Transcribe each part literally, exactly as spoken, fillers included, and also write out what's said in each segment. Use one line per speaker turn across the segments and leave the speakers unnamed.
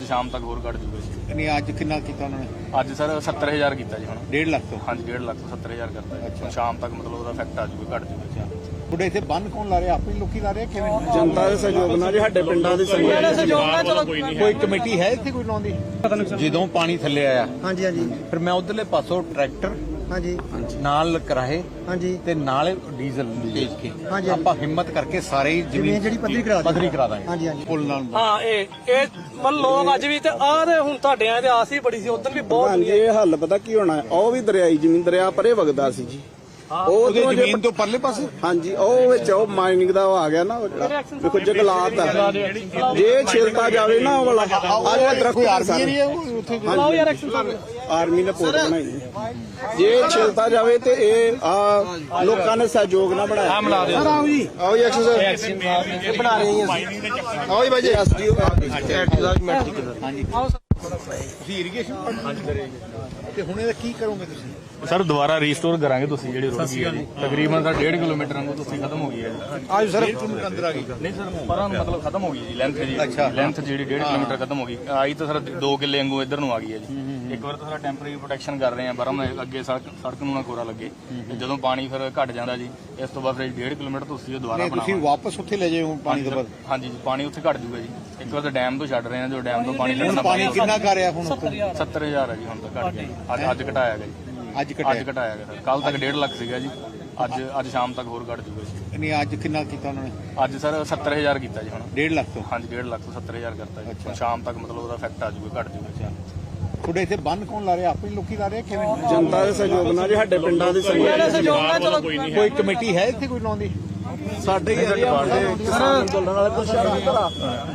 शाम तक होर घट जूगा जी।
नहीं अज कितना किया उन्होंने?
अज सर सत्तर हज़ार किया जी। हम
डेढ़ लाख तो?
हाँ जी डेढ़ लाख तो सत्तर हज़ार करता है। अच्छा। शाम तक मतलब ਉਹਦਾ ਇਫੈਕਟ ਆ ਜੂਗਾ, ਘਟ ਜੂਗਾ।
ਤੁਹਾਡੇ ਇੱਥੇ ਬੰਨ ਕੌਣ ਲਾ ਰਿਹਾ? ਆਪੇ ਲੋਕੀ ਲਾ ਰਹੇ ਕਿਵੇਂ?
ਜਨਤਾ ਦੇ ਸਹਿਯੋਗ ਨਾਲ ਜੀ, ਸਾਡੇ ਪਿੰਡਾਂ ਦੇ ਸਹਿਯੋਗ ਨਾਲ।
ਕੋਈ ਕਮੇਟੀ ਹੈ ਇੱਥੇ ਕੋਈ ਲਾਉਂਦੀ? ਜਦੋਂ ਪਾਣੀ ਥੱਲੇ ਆਇਆ
ਹਾਂਜੀ ਹਾਂਜੀ
ਫਿਰ ਮੈਂ ਉਧਰਲੇ ਪਾਸੋਂ ਟਰੈਕਟਰ
ਹਾਂਜੀ
ਨਾਲ ਕਰਾਏ
ਹਾਂਜੀ
ਤੇ ਨਾਲ ਡੀਜ਼ਲ ਭੇਜ ਕੇ
ਹਾਂਜੀ।
ਆਪਾਂ ਹਿੰਮਤ ਕਰਕੇ ਸਾਰੇ ਹੀ
ਜ਼ਮੀਨ ਜਿਹੜੀ ਪੱਧਰੀ ਕਰਾ ਦਾਂਗੇ।
ਪੱਧਰੀ ਕਰਾ ਦਾਂਗੇ
ਹਾਂਜੀ ਹਾਂਜੀ
ਪੁੱਲ ਨਾਲ।
ਹਾਂ ਇਹ ਇਹ ਮਨ ਲੋਕ ਅੱਜ ਵੀ ਤੇ ਆਹ ਤੇ ਹੁਣ ਤੁਹਾਡੇ ਆ ਤੇ ਆਸ ਹੀ ਬੜੀ ਸੀ, ਉਦੋਂ ਵੀ ਬਹੁਤ
ਹਾਂਜੀ। ਇਹ ਹੱਲ ਪਤਾ ਕੀ ਹੋਣਾ, ਉਹ ਵੀ ਦਰਿਆਈ ਜ਼ਮੀਨ ਦਰਿਆ ਪਰੇ ਵਗਦਾ ਸੀ ਜੀ। ਉਹ
ਉਹਦੇ ਜ਼ਮੀਨ ਤੋਂ ਪਰਲੇ ਪਾਸੇ
ਹਾਂਜੀ ਉਹ ਵਿੱਚ ਉਹ ਮਾਈਨਿੰਗ ਦਾ ਉਹ ਆ ਗਿਆ ਨਾ, ਵੇਖੋ ਜੰਗਲਾਤ ਆ। ਜੇ ਛਿਲਤਾ ਜਾਵੇ ਨਾ ਉਹ ਵਾਲਾ ਆ ਦਰਖਤ
ਆਰਮੀ ਹੈ ਉੱਥੇ
ਲਾਓ ਯਾਰ ਐਕਸ਼ਨ
ਆਰਮੀ ਨੇ ਪੋਰਟ ਬਣਾਈ। ਜੇ ਛਿਲਤਾ ਜਾਵੇ ਤੇ ਇਹ ਆ ਲੋਕਾਂ ਨੇ ਸਹਿਯੋਗ ਨਾਲ ਬਣਾਇਆ। ਸਰ ਆਓ ਜੀ, ਆਓ ਜੀ ਐਕਸਰਸਾਈਜ਼ ਬਣਾ ਰਹੇ ਹਾਂ ਅਸੀਂ। ਆਓ ਜੀ ਬਾਈ ਜੀ ਐਸਡੀਓ
ਹਾਂਜੀ। ਤੁਸੀਂ ਇਰੀਗੇਸ਼ਨ ਤੇ ਹੁਣ ਇਹਦਾ ਕੀ ਕਰੋਗੇ ਤੁਸੀਂ?
ਸਰ ਦੁਬਾਰਾ ਰੀਸਟੋਰ ਕਰਾਂਗੇ। ਤੁਸੀਂ ਜਿਹੜੀ ਰੋਡ ਗਈ ਹੈ ਜੀ ਤਕਰੀਬਨ ਸਰ ਡੇਢ ਕਿਲੋਮੀਟਰ ਵਾਂਗੂ ਤੁਸੀਂ ਖਤਮ ਹੋ ਗਈ ਹੈ ਜੀ।
ਅੱਜ ਸਰ ਅੰਦਰ ਆ ਗਈ
ਨਹੀਂ ਸਰ ਪਰਾਂ ਨੂੰ ਮਤਲਬ ਖਤਮ ਹੋ ਗਈ ਜੀ ਲੈਂਥ ਜੀ। ਲੈਂਥ ਜਿਹੜੀ ਡੇਢ ਕਿਲੋਮੀਟਰ ਖਤਮ ਹੋ ਗਈ। ਆਈ ਤਾਂ ਸਰ ਦੋ ਕਿੱਲੇ ਵਾਂਗੂ ਇੱਧਰ ਨੂੰ ਆ ਗਈ ਹੈ ਜੀ। ਇੱਕ ਵਾਰ ਤਾਂ ਸਰ ਟੈਂਪਰੇਰੀ ਪ੍ਰੋਟੈਕਸ਼ਨ ਕਰ ਰਹੇ ਆ ਬਰਮ ਅੱਗੇ ਸੜਕ ਸੜਕ ਨੂੰ ਨਾ ਕੋਰਾ ਲੱਗੇ। ਤੇ ਜਦੋਂ ਪਾਣੀ ਫਿਰ ਘਟ ਜਾਂਦਾ ਜੀ ਇਸ ਤੋਂ ਬਾਅਦ ਫਿਰ ਡੇਢ ਕਿਲੋਮੀਟਰ ਤੁਸੀਂ ਉਹ ਦੁਬਾਰਾ
ਤੁਸੀਂ ਵਾਪਸ ਉੱਥੇ ਲੈ ਜਾਓ ਪਾਣੀ ਤੋਂ ਬਾਅਦ?
ਹਾਂਜੀ ਪਾਣੀ ਉੱਥੇ ਘਟ ਜੂਗਾ ਜੀ। ਇੱਕ ਵਾਰ ਤਾਂ ਡੈਮ ਤੋਂ ਛੱਡ ਰਹੇ ਆ, ਜੋ ਡੈਮ ਤੋਂ ਪਾਣੀ ਲੈਣਾ।
ਪਾਣੀ ਕਿੰਨਾ ਕਰ ਰਿਹਾ ਹੁਣ?
ਸੱਤਰ ਹਜ਼ਾਰ ਹੈ ਜੀ ਹੁਣ ਤਾਂ ਘਟ ਗਿਆ। ਅੱਜ ਅੱਜ ਘਟਾਇਆ ਗਿਆ ਜੀ।
ਅੱਜ
ਅੱਜ ਘਟਾਇਆ ਗਿਆ ਸਰ। ਕੱਲ ਤੱਕ ਡੇਢ ਲੱਖ ਸੀਗਾ ਜੀ। ਅੱਜ ਅੱਜ ਸ਼ਾਮ ਤੱਕ ਹੋਰ ਘਟ ਜੂਗਾ ਜੀ।
ਨਹੀਂ ਅੱਜ ਕਿੰਨਾ ਕੀਤਾ ਉਹਨਾਂ ਨੇ?
ਅੱਜ ਸਰ ਸੱਤਰ ਹਜ਼ਾਰ ਕੀਤਾ ਜੀ। ਹੁਣ
ਡੇਢ ਲੱਖ ਤੋਂ?
ਹਾਂਜੀ ਡੇਢ ਲੱਖ ਤੋਂ ਸੱਤਰ ਹਜ਼ਾਰ ਕਰਤਾ ਜੀ। ਹੁਣ ਸ਼ਾਮ ਤੱਕ ਮਤਲਬ ਉਹਦਾ ਇਫੈਕਟ ਆ ਜੂਗਾ, ਘਟ ਜੂਗਾ।
ਤੁਹਾਡੇ ਇੱਥੇ ਬੰਨ ਕੌਣ ਲਾ ਰਿਹਾ? ਆਪੇ ਲੋਕੀ ਲਾ ਰਹੇ ਕਿਵੇਂ?
ਜਨਤਾ ਦੇ ਸਹਿਯੋਗ ਨਾਲ ਜੀ, ਸਾਡੇ ਪਿੰਡਾਂ ਦੇ ਸਹਿਯੋਗ ਨਾਲ।
ਕੋਈ ਕਮੇਟੀ ਹੈ ਇੱਥੇ ਕੋਈ ਲਾਉਂਦੀ?
ਸਾਡੇ ਏਰੀਆ ਦੇ ਕਿਸਾਨ ਅੰਦੋਲਨ ਵਾਲੇ ਪ੍ਰਸ਼ਾਸਨ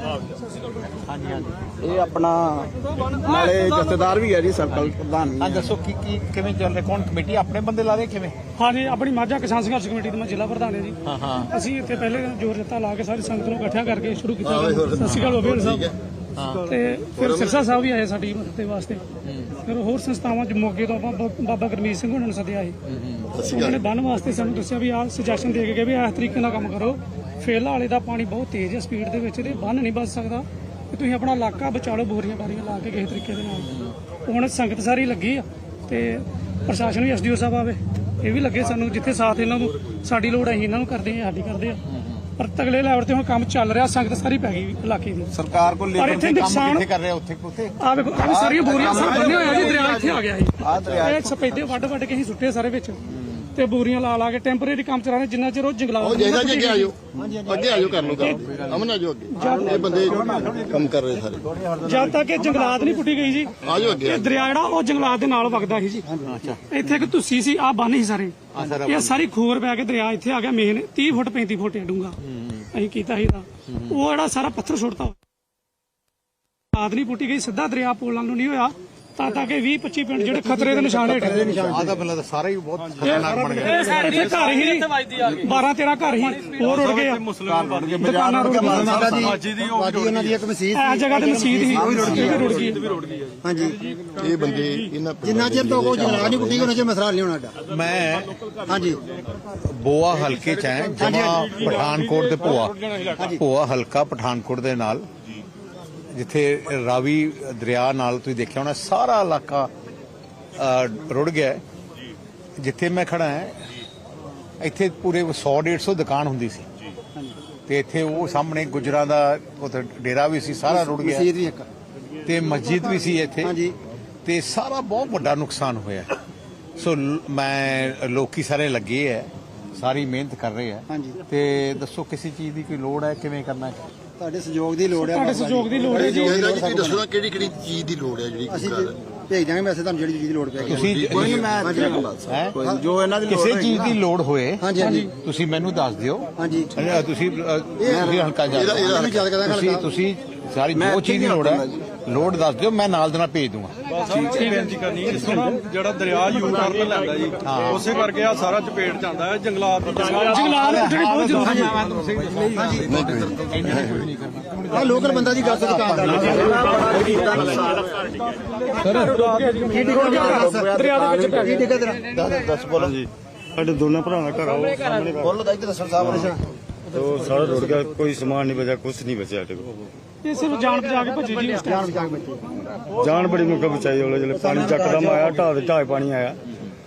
ਹਾਂਜੀ ਹਾਂਜੀ ਇਹ ਆਪਣਾ ਨਾਲੇ ਜਥੇਦਾਰ ਵੀ ਹੈ ਜੀ, ਸਰਕਲ ਪ੍ਰਧਾਨ ਵੀ
ਹਾਂ
ਹੈ।
ਦੱਸੋ ਕੀ ਕੀ ਕਿਵੇਂ ਚੱਲ ਰਿਹਾ? ਕੌਣ ਕਮੇਟੀ ਆਪਣੇ ਬੰਦੇ ਲਾ ਰਹੇ ਕਿਵੇਂ?
ਹਾਂਜੀ ਆਪਣੀ ਮਾਝਾ ਕਿਸਾਨ ਸੰਘਰਸ਼ ਕਮੇਟੀ ਦਾ ਮੈਂ ਜ਼ਿਲ੍ਹਾ ਪ੍ਰਧਾਨ ਹਾਂ ਜੀ।
ਹਾਂ ਹਾਂ।
ਅਸੀਂ ਇੱਥੇ ਪਹਿਲੇ ਜੋਰ ਜੱਤਾ ਲਾ ਕੇ ਸਾਰੀ ਸੰਗਤ ਨੂੰ ਇਕੱਠਿਆ ਕਰਕੇ ਸ਼ੁਰੂ ਕੀਤਾ। ਸਤਿ ਸ਼੍ਰੀ ਅਕਾਲ ਬਾਬੇ ਸਾਹਿਬ। ਤੇ ਫਿਰ ਸਿਰਸਾ ਸਾਹਿਬ ਵੀ ਆਏ ਸਾਡੀ ਮਦਦ ਦੇ ਵਾਸਤੇ। ਫਿਰ ਹੋਰ ਸੰਸਥਾਵਾਂ ਮੋਗੇ ਤੋਂ ਬਾਬਾ ਬਾਬਾ ਗੁਰਮੀਤ ਸਿੰਘ ਉਹਨਾਂ ਨੂੰ ਸੱਦਿਆ ਸੀ। ਉਹਨਾਂ ਨੇ ਬੰਨ ਵਾਸਤੇ ਸਾਨੂੰ ਦੱਸਿਆ ਵੀ ਆਹ ਸੁਜੈਸ਼ਨ ਦੇ ਕੇ ਗਏ ਵੀ ਇਸ ਤਰੀਕੇ ਨਾਲ ਕੰਮ ਕਰੋ। ਫੇਲਾ ਵਾਲੇ ਦਾ ਪਾਣੀ ਬਹੁਤ ਤੇਜ਼ ਹੈ ਸਪੀਡ ਦੇ ਵਿੱਚ, ਤੇ ਬੰਨ ਨਹੀਂ ਬਚ ਸਕਦਾ। ਤੇ ਤੁਸੀਂ ਆਪਣਾ ਇਲਾਕਾ ਬਚਾ ਲਓ ਬੋਰੀਆਂ ਬਾਰੀਆਂ ਲਾ ਕੇ ਕਿਸੇ ਤਰੀਕੇ ਦੇ ਨਾਲ। ਹੁਣ ਸੰਗਤ ਸਾਰੀ ਲੱਗੀ ਆ ਤੇ ਪ੍ਰਸ਼ਾਸਨ ਵੀ ਐਸਡੀਓ ਸਾਹਿਬ ਆਵੇ, ਇਹ ਵੀ ਲੱਗੇ ਸਾਨੂੰ। ਜਿੱਥੇ ਸਾਥ ਇਹਨਾਂ ਨੂੰ ਸਾਡੀ ਲੋੜ ਹੈ ਇਹਨਾਂ ਨੂੰ ਕਰਦੇ ਆ, ਸਾਡੀ ਕਰਦੇ ਆ। ਪਰ ਤਗਲੇ ਲੈਵਲ ਤੇ ਹੁਣ ਕੰਮ ਚੱਲ ਰਿਹਾ, ਸੰਗਤ ਸਾਰੀ ਪੈ ਗਈ ਇਲਾਕੇ ਦੀ।
ਸਰਕਾਰ ਕੋਲ
ਪਰ
ਲੇਬਰ
ਇੱਥੇ
ਦੇ ਕੰਮ
ਨੁਕਸਾਨ
ਕਿੱਥੇ ਕਰ ਰਿਹਾ? ਉੱਥੇ ਉੱਥੇ
ਆ ਵੇਖੋ ਆ ਵੀ ਸਾਰੀਆਂ ਬੋਰੀਆਂ ਸਭ ਬੰਨੇ ਹੋਇਆ ਜੀ। ਦਰਿਆ ਇੱਥੇ ਆ ਗਿਆ ਸੀ। ਇਹ ਸਪੈਦੇ ਵੱਢ ਵੱਢ ਕੇ ਹੀ ਸੁੱਟੇ ਸਾਰੇ ਵਿੱਚ, ਤੇ ਬੋਰੀਆਂ ਲਾ ਲਾ ਕੇ ਟੈਂਪਰੇਰੀ ਕੰਮ ਚਲਾ ਰਹੇ। ਜਿੰਨਾ ਚਿਰ ਉਹ ਜੰਗਲਾਤ
ਅੱਗੇ ਆਜੋ ਅੱਗੇ ਆਜੋ ਕਰ ਲਓ ਕੰਮ। ਅਮਨ ਆਜੋ ਅੱਗੇ, ਇਹ ਬੰਦੇ ਕੰਮ ਕਰ ਰਹੇ ਸਾਰੇ।
ਜਦ ਤੱਕ ਇਹ ਜੰਗਲਾਤ ਨਹੀਂ ਪੁੱਟੀ ਗਈ ਜੀ,
ਆਜੋ ਅੱਗੇ।
ਇਹ ਦਰਿਆ ਜਿਹੜਾ ਉਹ ਜੰਗਲਾਤ ਦੇ ਨਾਲ ਵਗਦਾ ਸੀ ਜੀ। ਇੱਥੇ ਇੱਕ ਤੁਸੀਂ ਸੀ, ਆ ਬੰਨ ਸੀ ਸਾਰੇ। ਇਹ ਸਾਰੀ ਖੋਰ ਪੈ ਕੇ ਦਰਿਆ ਇੱਥੇ ਆ ਗਿਆ ਮੇਨ ਤੀਹ ਫੁੱਟ ਪੈਂਤੀ ਫੁੱਟ ਡੂੰਘਾ। ਅਸੀਂ ਕੀਤਾ ਸੀ ਉਹ ਜਿਹੜਾ ਸਾਰਾ ਪੱਥਰ ਸੁੱਟਤਾ, ਜੰਗਲਾਤ ਨਹੀਂ ਪੁੱਟੀ ਗਈ, ਸਿੱਧਾ ਦਰਿਆ ਪੋਲਾਂ ਨੂੰ ਨਹੀਂ ਹੋਇਆ। ਤਾਂ ਤਾਂ ਕਿ ਵੀਹ ਪੱਚੀ ਪਿੰਡ ਜਿਹੜੇ ਖਤਰੇ ਦੇ ਨਿਸ਼ਾਨ ਹੇਠ।
ਆਦਾ ਪਹਿਲਾਂ ਤਾਂ ਸਾਰਾ ਹੀ ਬਹੁਤ ਖਤਰਨਾਕ ਬਣ ਗਿਆ।
ਇੱਥੇ ਘਰ ਹੀ ਬਾਰਾਂ ਤੇਰਾਂ ਘਰ ਹੀ ਹੋਰ ਉੜ ਗਏ ਆ। ਦੁਕਾਨਾਂ ਰੁੜ
ਉਹਨਾਂ ਦੀ ਇੱਕ ਮਸਜਿਦ
ਇਸ ਜਗ੍ਹਾ ਤੇ ਮਸਜਿਦ ਸੀ, ਉਹ ਵੀ ਰੁੜ ਗਈ।
ਹਾਂਜੀ
ਇਹ ਬੰਦੇ ਇਹਨਾਂ
ਜਿੰਨਾ ਚਿਰ ਤੋਂ ਕੋਈ ਜੰਗਲਾਤ ਨਹੀਂ ਪੁੱਟੀ ਉਹਨਾਂ ਚਿਰ ਮਸਲਾ ਨਹੀਂ ਹੋਣਾ ਸਾਡਾ।
ਮੈਂ
ਹਾਂਜੀ
ਬੋਆ ਹਲਕੇ ਚ ਹੈ, ਜਮਾ ਪਠਾਨਕੋਟ ਦੇ ਭੋਆ ਭੋਆ ਹਲਕਾ ਪਠਾਨਕੋਟ ਦੇ ਨਾਲ, ਜਿੱਥੇ ਰਾਵੀ ਦਰਿਆ ਨਾਲ ਤੁਸੀਂ ਦੇਖਿਆ ਹੋਣਾ ਸਾਰਾ ਇਲਾਕਾ ਰੁੜ ਗਿਆ। ਜਿੱਥੇ ਮੈਂ ਖੜਾ ਹਾਂ ਇੱਥੇ ਪੂਰੇ ਸੌ ਡੇਢ ਸੌ ਦੁਕਾਨ ਹੁੰਦੀ ਸੀ, ਤੇ ਇੱਥੇ ਉਹ ਸਾਹਮਣੇ ਗੁਜਰਾਂ ਦਾ ਉੱਥੇ ਡੇਰਾ ਵੀ ਸੀ, ਸਾਰਾ ਰੁੜ ਗਿਆ।
ਮਸਜਿਦ ਵੀ ਇੱਕ
ਤੇ ਮਸਜਿਦ ਵੀ ਸੀ ਇੱਥੇ।
ਹਾਂਜੀ।
ਤੇ ਸਾਰਾ ਬਹੁਤ ਵੱਡਾ ਨੁਕਸਾਨ ਹੋਇਆ। ਸੋ ਮੈਂ ਲੋਕੀ ਸਾਰੇ ਲੱਗੇ ਹੈ, ਸਾਰੀ ਮਿਹਨਤ ਕਰ ਰਹੇ ਆ।
ਹਾਂਜੀ।
ਤੇ ਦੱਸੋ ਕਿਸੇ ਚੀਜ਼ ਦੀ ਕੋਈ ਲੋੜ ਹੈ? ਕਿਵੇਂ ਕਰਨਾ ਹੈ?
ਤੁਹਾਡੇ ਸਹਿਯੋਗ ਦੀ ਲੋੜ ਹੈ।
ਤੁਹਾਡੇ ਸਹਿਯੋਗ ਦੀ ਲੋੜ ਹੈ ਜੀ।
ਤੁਸੀਂ ਦੱਸੋ ਨਾ ਕਿਹੜੀ ਕਿਹੜੀ ਚੀਜ਼ ਦੀ ਲੋੜ ਹੈ ਜਿਹੜੀ
ਅਸੀਂ ਭੇਜ ਦਾਂਗੇ ਮੈਸੇਜ ਤੁਹਾਨੂੰ, ਜਿਹੜੀ ਚੀਜ਼ ਦੀ ਲੋੜ ਪਏਗੀ।
ਤੁਸੀਂ
ਮੈਂ ਜੋ ਇਹਨਾਂ ਦੀ
ਕਿਸੇ ਚੀਜ਼ ਦੀ ਲੋੜ ਹੋਏ
ਹਾਂਜੀ ਹਾਂਜੀ
ਤੁਸੀਂ ਮੈਨੂੰ ਦੱਸ ਦਿਓ।
ਹਾਂਜੀ
ਤੁਸੀਂ ਤੁਸੀਂ ਹਲਕਾ ਜਾ ਤੁਸੀਂ ਤੁਸੀਂ ਸਾਰੀ ਜੋ ਚੀਜ਼ ਦੀ ਲੋੜ ਹੈ ਲੋੜ ਦੱਸ ਦਿਓ, ਮੈਂ ਨਾਲ ਦੇ ਨਾਲ ਭੇਜ ਦੂੰਗਾ।
ਬੇਨਤੀ ਕਰਨੀ ਜਿਹੜਾ ਦਰਿਆ ਯੂ ਟਰਨ ਲੈਂਦਾ ਜੀ, ਉਸੇ ਕਰਕੇ ਆ ਸਾਰਾ ਚਪੇਟ ਜਾਂਦਾ ਹੈ। ਜੰਗਲਾਤ
ਜੰਗਲਾਤ ਪੁੱਟਣੀ ਬਹੁਤ ਜ਼ਰੂਰੀ ਹੈ।
ਆ ਲੋਕਲ ਬੰਦਾ ਦੀ ਗੱਲ ਦੁਕਾਨਦਾਰ
ਦਰਿਆ ਦੇ ਵਿੱਚ ਪੈ
ਕੀ ਤੇਰਾ
ਦੱਸ ਬੋਲੋ ਜੀ। ਸਾਡੇ ਦੋਨਾਂ ਭਰਾਵਾਂ ਦਾ ਘਰ ਆਓ ਸਾਹਮਣੇ
ਬੋਲੋ ਤਾਂ ਇੱਧਰ ਦੱਸੋ ਸਾਹਿਬ।
तो सारा रोड का कोई सामान नहीं बचा, कुछ नहीं बचा।
ਇਹ ਸਿਰਫ ਜਾਣ ਬਚਾ ਕੇ ਭੱਜੇ ਜੀ ਉਸ ਟਾਈਮ
ਜਾਨ ਬੜੀ ਮੁੱਕ ਬਚਾਈ ਉਹਲੇ ਜਿਹੜੇ ਪਾਣੀ ਚੱਕਦਮ ਆਇਆ ਢਾਹ ਦੇ ਢਾਹ ਪਾਣੀ ਆਇਆ।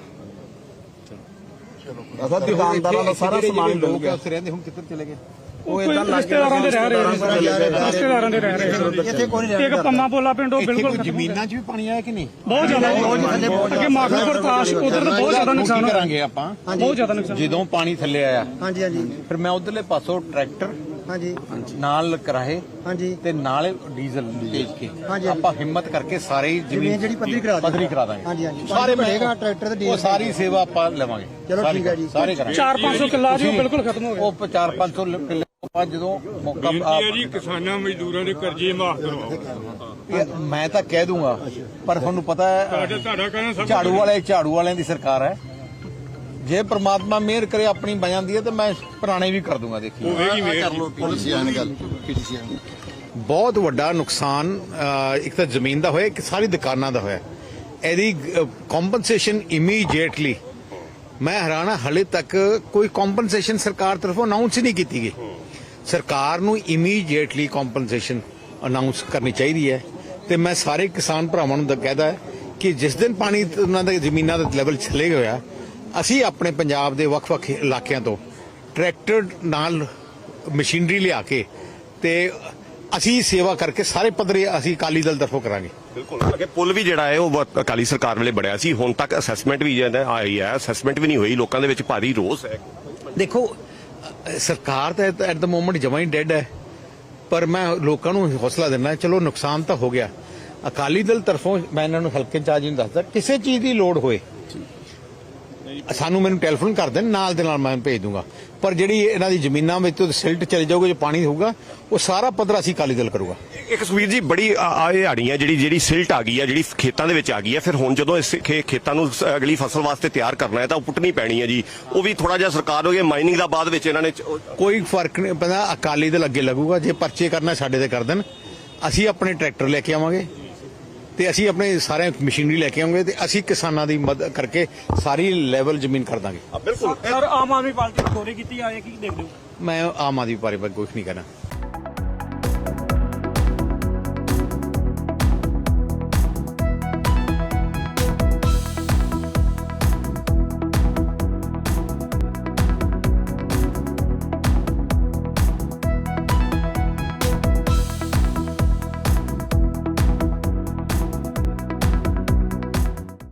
ਅਸਾਂ ਦੁਕਾਨਦਾਰਾਂ ਦਾ ਸਾਰਾ ਸਮਾਨ ਡੁੱਬ ਗਿਆ।
ਉੱਥੇ ਰਹਿੰਦੇ ਹੁਣ ਕਿੱਧਰ ਚਲੇ ਗਏ?
ਉਹ ਇਦਾਂ ਲੱਗ
ਰਿਸ਼ਤੇਦਾਰਾਂ ਦੇ ਰਹਿ ਰਹੇ ਨੇ, ਰਿਸ਼ਤੇਦਾਰਾਂ ਦੇ ਰਹਿ ਰਹੇ ਨੇ।
ਇੱਥੇ ਕੋਈ ਨਹੀਂ
ਇੱਕ ਪੰਮਾ ਪੋਲਾ ਪਿੰਡ ਉਹ
ਇੱਥੇ
ਬਿਲਕੁਲ
ਕੋਈ
ਖਤਮ ਹੋ ਗਿਆ।
ਜ਼ਮੀਨਾਂ 'ਚ ਵੀ ਪਾਣੀ ਆਇਆ ਕਿ ਨਹੀਂ?
ਬਹੁਤ ਜ਼ਿਆਦਾ ਅੱਗੇ ਮਾਖਲਪੁਰ ਕਾਸ਼ ਉਧਰ ਬਹੁਤ ਜ਼ਿਆਦਾ
ਕੀ
ਨੁਕਸਾਨ ਹੋਇਆ,
ਕਰਾਂਗੇ ਆਪਾਂ
ਬਹੁਤ ਜ਼ਿਆਦਾ ਨੁਕਸਾਨ।
ਜਦੋਂ ਪਾਣੀ ਥੱਲੇ ਆਇਆ
ਹਾਂਜੀ ਹਾਂਜੀ
ਫਿਰ ਮੈਂ ਉਧਰਲੇ ਪਾਸੋਂ ਟਰੈਕਟਰ
ਹਾਂਜੀ
ਨਾਲ ਕਰਾਏ
ਹਾਂਜੀ
ਤੇ ਨਾਲ ਡੀਜ਼ਲ ਭੇਜ ਕੇ
ਹਾਂਜੀ।
ਆਪਾਂ ਹਿੰਮਤ ਕਰਕੇ ਸਾਰੇ ਹੀ
ਜ਼ਮੀਨ ਜਿਹੜੀ ਪੱਧਰੀ ਕਰਾ ਦਾਂਗੇ।
ਪੱਧਰੀ ਕਰਾ ਦਾਂਗੇ।
ਹਾਂਜੀ ਹਾਂਜੀ
ਸਾਰੇ
ਮਿਲੇਗਾ ਟਰੈਕਟਰ ਤੇ
ਉਹ
ਡੀਜ਼ਲ
ਸਾਰੀ ਸੇਵਾ ਆਪਾਂ ਲਵਾਂਗੇ।
ਚਲੋ
ਸਾਰੀ
ਠੀਕ ਹੈ ਜੀ।
ਸਾਰੇ ਕਰਾਂਗੇ।
ਚਾਰ ਪੰਜ ਸੌ ਕਿੱਲਾ ਜੀ ਉਹ ਬਿਲਕੁਲ ਖਤਮ ਹੋ ਗਿਆ।
ਉਹ ਚਾਰ ਪੰਜ ਸੌ ਕਿੱਲੇ ਤੋਂ ਬਾਅਦ ਜਦੋਂ ਮੌਕਾ ਆ-
ਜੀ ਕਿਸਾਨਾਂ ਮਜ਼ਦੂਰਾਂ ਦੇ ਕਰਜ਼ੇ ਮਾਫ ਕਰਵਾਓ।
ਇਹ ਮੈਂ ਤਾਂ ਕਹਿ ਦੂੰਗਾ ਪਰ ਤੁਹਾਨੂੰ ਪਤਾ ਹੈ
ਤੁਹਾਡਾ ਤੁਹਾਡਾ ਕਹਿਣਾ ਸਭ
ਝਾੜੂ ਵਾਲੇ ਝਾੜੂ ਵਾਲਿਆਂ ਦੀ ਸਰਕਾਰ ਹੈ। ਜੇ ਪ੍ਰਮਾਤਮਾ ਮਿਹਰ ਕਰੇ ਆਪਣੀ ਬਣ ਜਾਂਦੀ ਹੈ ਤੇ ਮੈਂ ਪੁਰਾਣੇ ਵੀ ਕਰ ਦੂੰਗਾ। ਦੇਖੀ
ਹੋਵੇਗੀ ਮੇਰ।
ਕਰ ਲਓ ਪੀਡੀਸੀਆਂ ਨਾਲ ਗੱਲ ਪੀਡੀਸੀਆਂ
ਬਹੁਤ ਵੱਡਾ ਨੁਕਸਾਨ ਅ, ਇੱਕ ਤਾਂ ਜ਼ਮੀਨ ਦਾ ਹੋਇਆ, ਇੱਕ ਸਾਰੀ ਦੁਕਾਨਾਂ ਦਾ ਹੋਇਆ। ਇਹਦੀ ਕੰਪਨਸੇਸ਼ਨ ਇਮੀਡੀਏਟਲੀ ਮੈਂ ਹੈਰਾਨ ਹਾਂ ਹਲੇ ਤੱਕ ਕੋਈ ਕੰਪਨਸੇਸ਼ਨ ਸਰਕਾਰ ਤਰਫੋਂ ਅਨਾਉਂਸ ਹੀ ਨਹੀਂ ਕੀਤੀ ਗਈ। ਸਰਕਾਰ ਨੂੰ ਇਮੀਡੀਏਟਲੀ ਕੰਪਨਸੇਸ਼ਨ ਅਨਾਉਂਸ ਕਰਨੀ ਚਾਹੀਦੀ ਹੈ ਤੇ ਮੈਂ ਸਾਰੇ ਕਿਸਾਨ ਭਰਾਵਾਂ ਨੂੰ ਕਹਿਦਾ ਕਿ ਜਿਸ ਦਿਨ ਪਾਣੀ ਉਹਨਾਂ ਦੇ ਜ਼ਮੀਨਾਂ ਦਾ ਲੈਵਲ ਚਲੇ ਗਿਆ ਅਸੀਂ ਆਪਣੇ ਪੰਜਾਬ ਦੇ ਵੱਖ-ਵੱਖ ਇਲਾਕਿਆਂ ਤੋਂ ਟਰੈਕਟਰ ਨਾਲ ਮਸ਼ੀਨਰੀ ਲਿਆ ਕੇ ਤੇ ਅਸੀਂ ਸੇਵਾ ਕਰਕੇ ਸਾਰੇ ਪੱਧਰੇ ਅਸੀਂ ਅਕਾਲੀ ਦਲ ਤਰਫੋਂ ਕਰਾਂਗੇ।
ਬਿਲਕੁਲ ਅੱਗੇ ਪੁਲ ਵੀ ਜਿਹੜਾ ਹੈ ਉਹ ਬਹੁਤ ਅਕਾਲੀ ਸਰਕਾਰ ਵੇਲੇ ਬਣਿਆ ਸੀ। ਹੁਣ ਤੱਕ ਅਸੈਸਮੈਂਟ ਵੀ ਜਿਹੜਾ ਆਈ ਹੈ, ਅਸੈਸਮੈਂਟ ਵੀ ਨਹੀਂ ਹੋਈ। ਲੋਕਾਂ ਦੇ ਵਿੱਚ ਭਾਰੀ ਰੋਸ ਹੈ।
ਦੇਖੋ ਅ, ਸਰਕਾਰ ਤਾਂ ਐਟ ਦਾ ਮੋਮੈਂਟ ਜਮਾਂ ਹੀ ਡੈਡ ਹੈ ਪਰ ਮੈਂ ਲੋਕਾਂ ਨੂੰ ਹੌਸਲਾ ਦਿੰਦਾ ਚਲੋ ਨੁਕਸਾਨ ਤਾਂ ਹੋ ਗਿਆ। ਅਕਾਲੀ ਦਲ ਤਰਫੋਂ ਮੈਂ ਇਹਨਾਂ ਨੂੰ ਹਲਕੇ ਇੰਚਾਰਜ ਨੂੰ ਦੱਸਦਾ ਕਿਸੇ ਚੀਜ਼ ਦੀ ਲੋੜ ਹੋਏ ਸਾਨੂੰ ਮੈਨੂੰ ਟੈਲੀਫੋਨ ਕਰ ਦੇਣ, ਨਾਲ ਦੇ ਨਾਲ ਮੈਂ ਭੇਜ ਦੂੰਗਾ। ਪਰ ਜਿਹੜੀ ਇਹਨਾਂ ਦੀ ਜ਼ਮੀਨਾਂ ਵਿੱਚ ਤੋਂ ਸਿਲਟ ਚਲੇ ਜਾਊਗਾ, ਜੋ ਪਾਣੀ ਹੋਊਗਾ ਉਹ ਸਾਰਾ ਪੱਧਰ ਅਸੀਂ ਅਕਾਲੀ ਦਲ ਕਰੂਗਾ।
ਇੱਕ ਸੁਖਬੀਰ ਜੀ ਬੜੀ ਹਾੜੀ ਹੈ ਜਿਹੜੀ ਜਿਹੜੀ ਸਿਲਟ ਆ ਗਈ ਹੈ, ਜਿਹੜੀ ਖੇਤਾਂ ਦੇ ਵਿੱਚ ਆ ਗਈ ਹੈ। ਫਿਰ ਹੁਣ ਜਦੋਂ ਇਸ ਖੇ- ਖੇਤਾਂ ਨੂੰ ਸ- ਅਗਲੀ ਫਸਲ ਵਾਸਤੇ ਤਿਆਰ ਕਰਨਾ ਹੈ ਤਾਂ ਉਹ ਪੁੱਟਣੀ ਪੈਣੀ ਹੈ ਜੀ। ਉਹ ਵੀ ਥੋੜਾ ਜਿਹਾ ਸਰਕਾਰ ਹੋ ਗਈ ਮਾਈਨਿੰਗ ਦਾ ਬਾਅਦ ਵਿੱਚ ਇਹਨਾਂ ਨੇ ਚ- ਉਹ-
ਕੋਈ ਫਰਕ ਨਹੀਂ ਪੈਂਦਾ। ਅਕਾਲੀ ਦਲ ਅੱਗੇ ਲੱਗੂਗਾ। ਜੇ ਪਰਚੇ ਕਰਨਾ ਸਾਡੇ ਤੇ ਕਰ ਦੇਣ, ਅਸੀਂ ਆਪਣੇ ਟਰੈਕਟਰ ਲੈ ਕੇ ਆਵਾਂਗੇ ਤੇ ਅਸੀਂ ਆਪਣੇ ਸਾਰੇ ਮਸ਼ੀਨਰੀ ਲੈ ਕੇ ਆਵਾਂਗੇ ਤੇ ਅਸੀਂ ਕਿਸਾਨਾਂ ਦੀ ਮਦਦ ਕਰਕੇ ਸਾਰੀ ਲੈਵਲ ਜ਼ਮੀਨ ਕਰ ਦਾਂਗੇ।
ਬਿਲਕੁਲ
ਸਰ ਆਮ ਆਦਮੀ ਪਾਰਟੀ ਨੇ ਚੋਰੀ ਕੀਤੀ ਆਏ ਕੀ ਦੇਖਦੇ ਹੋ?
ਮੈਂ ਆਮ ਆਦਮੀ ਪਾਰਟੀ ਬਾਰੇ ਕੁਝ ਨਹੀਂ ਕਹਿਣਾ।